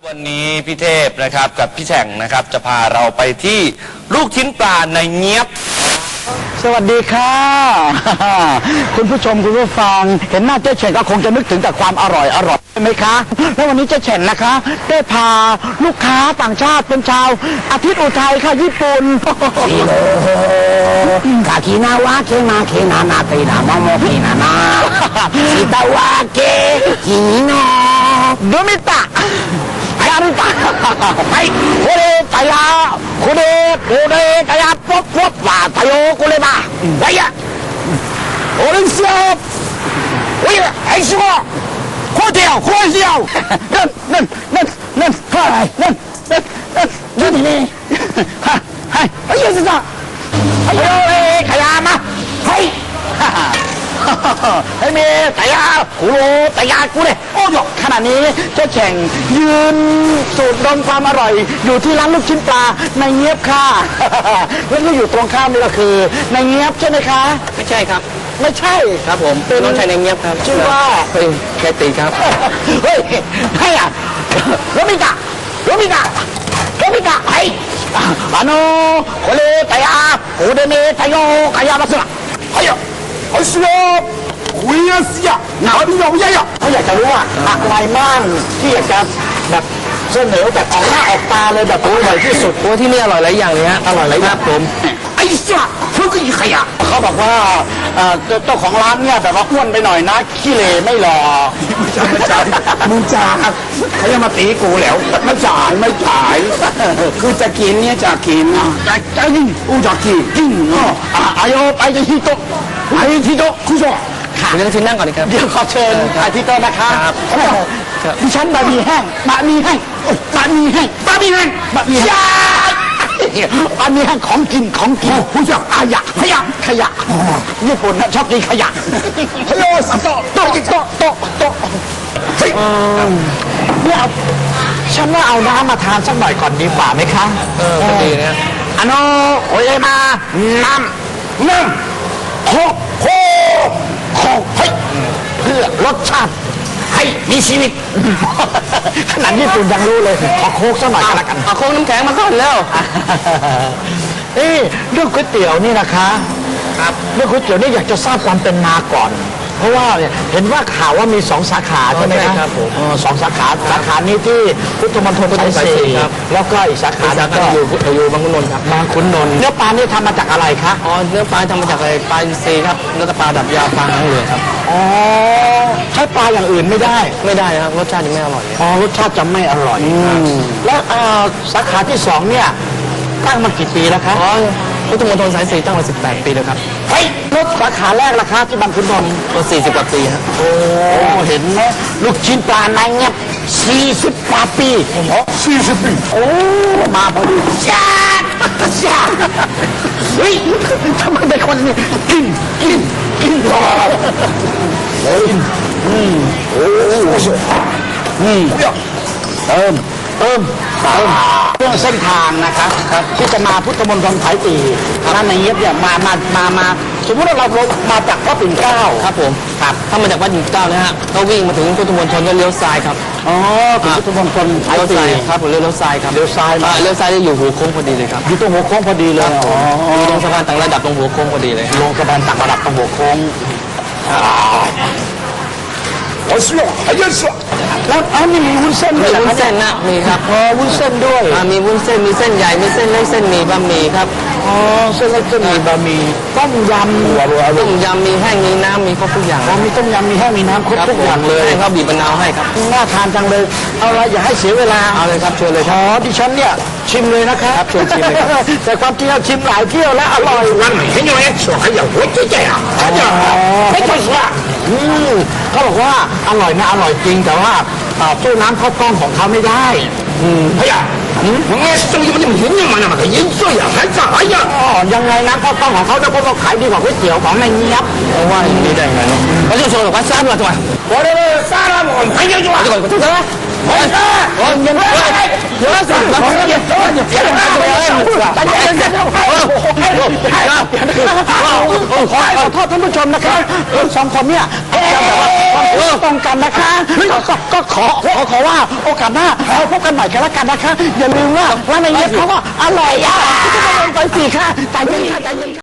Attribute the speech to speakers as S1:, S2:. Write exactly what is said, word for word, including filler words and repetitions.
S1: วันนี้พี่เทพนะครับกับพี่แฉ่งนะครับจะพาเราไปที่ลูกชิ้นปลาในเงี๊ยบ
S2: สวัสดีค่ะคุณผู้ชมคุณผู้ฟังเห็นหน้าเจ๊เฉ่งก็คงจะนึกถึงแต่ความอร่อยอร่อยใช่ไหมคะแล้ววันนี้เจ๊เฉ่งนะคะได้พาลูกค้าต่างชาติเป็นชาวอาทิตย์อุทัยค่ะญี่ปุ่น
S3: กาคินาวะเคมาเคนานาเตนาโมโมเคนานาชิตาวะเกคิมิโน
S2: โดมิตะ
S3: やるかはいこれたやこれこれたやポッポッパたよこればはいやおれんすよおいはいしょこうてよこうしよ
S2: นั่นนั่นนั่นนั่นはいนั่นนั่นนั่น
S3: 何ね
S2: はいはいはいさん
S3: はいよえかやまはい
S2: ให้มีแต่ยาคุโรแต่ยากูเลยโอ้ยขณะนี้เจ๊เฉ่งยืนสูดดมความอร่อยอยู่ที่ร้านลูกชิ้นปลาในเงี๊ยบค่ะแล้วก็อยู่ตรงข้ามนี่ก็คือในเงี๊ยบใช่ไหมคะ
S1: ไม่ใช่ครับ
S2: ไม่ใช่
S1: ครับผมเป็นน้องชายในเงี๊ยบครับ
S2: ชื่อว่า
S1: เฮ้ยแคตีครับ
S2: เฮ้ยให้อ่ะโรมิกะโรมิกะโรมิกะไอ้あのこれแต่ยาこれねแต่よかやますはいよ
S3: เอาสิโยคุยสิยะหนาวพี่ยงยัยอ่ะ
S2: เขาอยากจะรู้ว่าอะไรบ้างที่อยากจะแบบเสนอแบบออกหน้าออกตาเลยแบบอร่อยที่สุด
S1: โอ้ที่นี่อร่อยหลายอย่างเลยฮะ
S2: อร่อยหลายอย่าง
S3: ผมไอ้สิยะเขาคือขยะ
S2: เขาบอกว่าเจ้าของร้านเนี่ยแบบว่าอ้วนไปหน่อยนะขี้เหร่ไม่หล่อ
S3: ไม่ใช่ไม่ใช่มึงจ่าเขาจะมาตีกูแล้วไม่จ่ายไม่จ่ายคือจะกินเนี่ยจะกินอ่ะจะจะกินอูจะกินกินอ่ะ
S2: อายุไปจะฮิโตะ
S3: ไอ้ฮิโตะคุณผู้ชม
S1: เดี๋ยวชิมนั่งก่อนครับ
S2: เดี๋ยวขอเชิญอาทิตย์ต้นนะคะดิฉันบะหมี่แห้งบะหมี่แห้งบะหมี่แห้ง
S3: บะหมี่แห้ง
S2: บะหมี่แห้งบะหมี่แห้งของกินของกิน
S3: คุณผู้ชม
S2: ขยะขยะขยะญี่ปุ่นนะชอบกินขยะ
S3: ฮัลโหลสับโต๊ะโต๊ะโต๊ะโต๊ะโต๊ะเฮ้ย
S2: เนี่ยเอาฉันว่าเอาน้ำมาทานสักหน่อยก่อนดีกว่าไหมคะ
S1: เออดีนะ
S3: あのおいでまน้ำน้ำโคโคโคเฮ้ย
S2: เพื่อรสชาติ
S3: ให้มีชีวิต
S2: ขนาดญี่ปุ่นยังรู้เลยขอโค้กสักหน่อยก็แล้วกัน
S1: เอาโค้กน้ำแข็งมาก่อนแล้ว
S2: เอ้เรื่องก๋วยเตี๋ยวนี่นะคะ
S1: ครับ
S2: เรื่องก๋วยเตี๋ยวนี่อยากจะทราบความเป็นมาก่อนเพราะว่าเห็นว่าข่าวว่ามีสองสาขาใช่ไหม
S1: ครับผม
S2: สองสาขาสาขานี้ที่พุทธมณฑลสายสี่แล้วก็อีกสาขาก็
S1: อยู่อยู่บางขุนนนท์ครับ
S2: บางขุนนนท์เนื้อปลานี่ทำมาจากอะไรครับ
S1: อ๋อเนื้อปลาทำมาจากอะไรปลาอินทรีครับเนื้อปลาดับยาปลาทั้งเหลืองครับ
S2: อ๋อใช้ปลาอย่างอื่นไม่ได้
S1: ไม่ได้ครับรสชาติจะไม่อร่อย
S2: อ๋อรสชาติจะไม่อร่อยแล้วสาขาที่สองเนี่ยตั้งมากี่ปีแล้วครับ
S1: อ๋อพุทธมณฑลสายสี่ตั้งมาสิบแปดปีแล้วครับ
S2: เฮ้ยรถสาขาแรกราคาที่บางขุนนนท์
S1: ก็สี่สิบกว่าปีฮะ
S2: โอ้เห็นไหมลูกชิ้นปลาในเงี้ยสี่สิบกว่าปี
S3: โอ้สี่สิบปี
S2: โอ้มาพอดีจ้าจ้าเฮ้ยทำไมเป็นคนนี้กินกินกินรอ
S3: เฮ้ยอืมโอ้
S2: อืมเติมเติมเติมเรื่องเส้นทางนะครับที่จะมาพุทธมณฑลสายสี่ร้านในเงียบเนี่ยมามามามาสมมติว่าเรามาจากพระปิ่นเกล้า
S1: ครับผมครับถ้ามาจากวัดปิ่นเกล้านะฮะก็วิ่งมาถึงพุทธมณฑลก็เลี้ยวซ้ายครับ
S2: อ๋อถึงพุทธมณฑลสายสี่
S1: ครับผมเลี้ยวซ้ายครับ
S2: เลี้ยวซ้าย
S1: เลี้ยวซ้ายจะอยู่หัวโค้งพอดีเลยครับ
S2: อยู่ตรงหัวโค้งพอดีเลย
S1: อ๋ออยู่ตรงสะพานต่างระดับตรงหัวโค้งพอดีเลย
S2: ลงสะพานต่างระดับตรงหัวโค้ง
S3: โอ้สิไอ้ยันสิ
S2: แล้วอ๋อมีวุ้นเส้นด้วย
S1: วุ้นเส้นนะมีครับ
S2: อ๋อวุ้นเส้นด้วย
S1: มีวุ้นเส้นมีเส้นใหญ่มีเส้นเล็กเส้นหมี่บะหมี่ครับ
S2: อ๋อเส้นเล็กเส้นหมี่บะหมี่ต้มยำ
S1: ต้มยำมีแห้งมีน้ำมีครบทุกอย่าง
S2: มีต้มยำมีแห้งมีน้ำครบทุกอย่างเลย
S1: ให้เขาบีบมะนาวให้ครับ
S2: น่าทานจังเลยเอาละอย่าให้เสียเวลา
S1: เอาเลยครับเชิญเลย
S2: ครับอ๋อดิฉันเนี่ยชิมเลยนะครับ
S1: เชิญชิมเลยครับ
S2: แต่ความจริงเราชิมหลายเที่ยวแล้วอร่อย
S3: วันไหนให้ยังไงสวยอย่างหัวใจอ่ะเขาจะไม่ใช่สิ
S2: อืมเขาบอกว่าอร่อยนะอร่อยจริงแต่ว่าสู้น้ำข้าวกล้องของเขาไม่ได้
S3: อืมเฮ้ยมึงไงสู้ยังมันยังยังมันมันก็ยิ่งสวยอ่ะ还咋呀
S2: อ๋อยังไงน้ำข้าวกล้องของเขาเนี่ยเขาขายดีกว่าก๋วยเตี๋ยวของในเงียบ
S1: เพราะว่าอย่างนี้ได้ไงเนาะเขาจะโชว์ว่าซ่าด้วยตัว
S3: 我这个沙拉我还要做
S1: 这个这个我我你们有了什么我你你别拿这个大家大家
S2: ขอขอโทษท่านผู้ชมนะคะสองคนเนี่ยอาจจะแบบว่าความคิดตรงกันนะคะก็ก็ขอขอขอว่าโอกาสหน้าเราพบกันใหม่กันแล้วกันนะคะอย่าลืมว่าร้านในเย็บเขาก็อร่อยอ่ะไปสิค่ะใจเย็นค่ะใจเย็น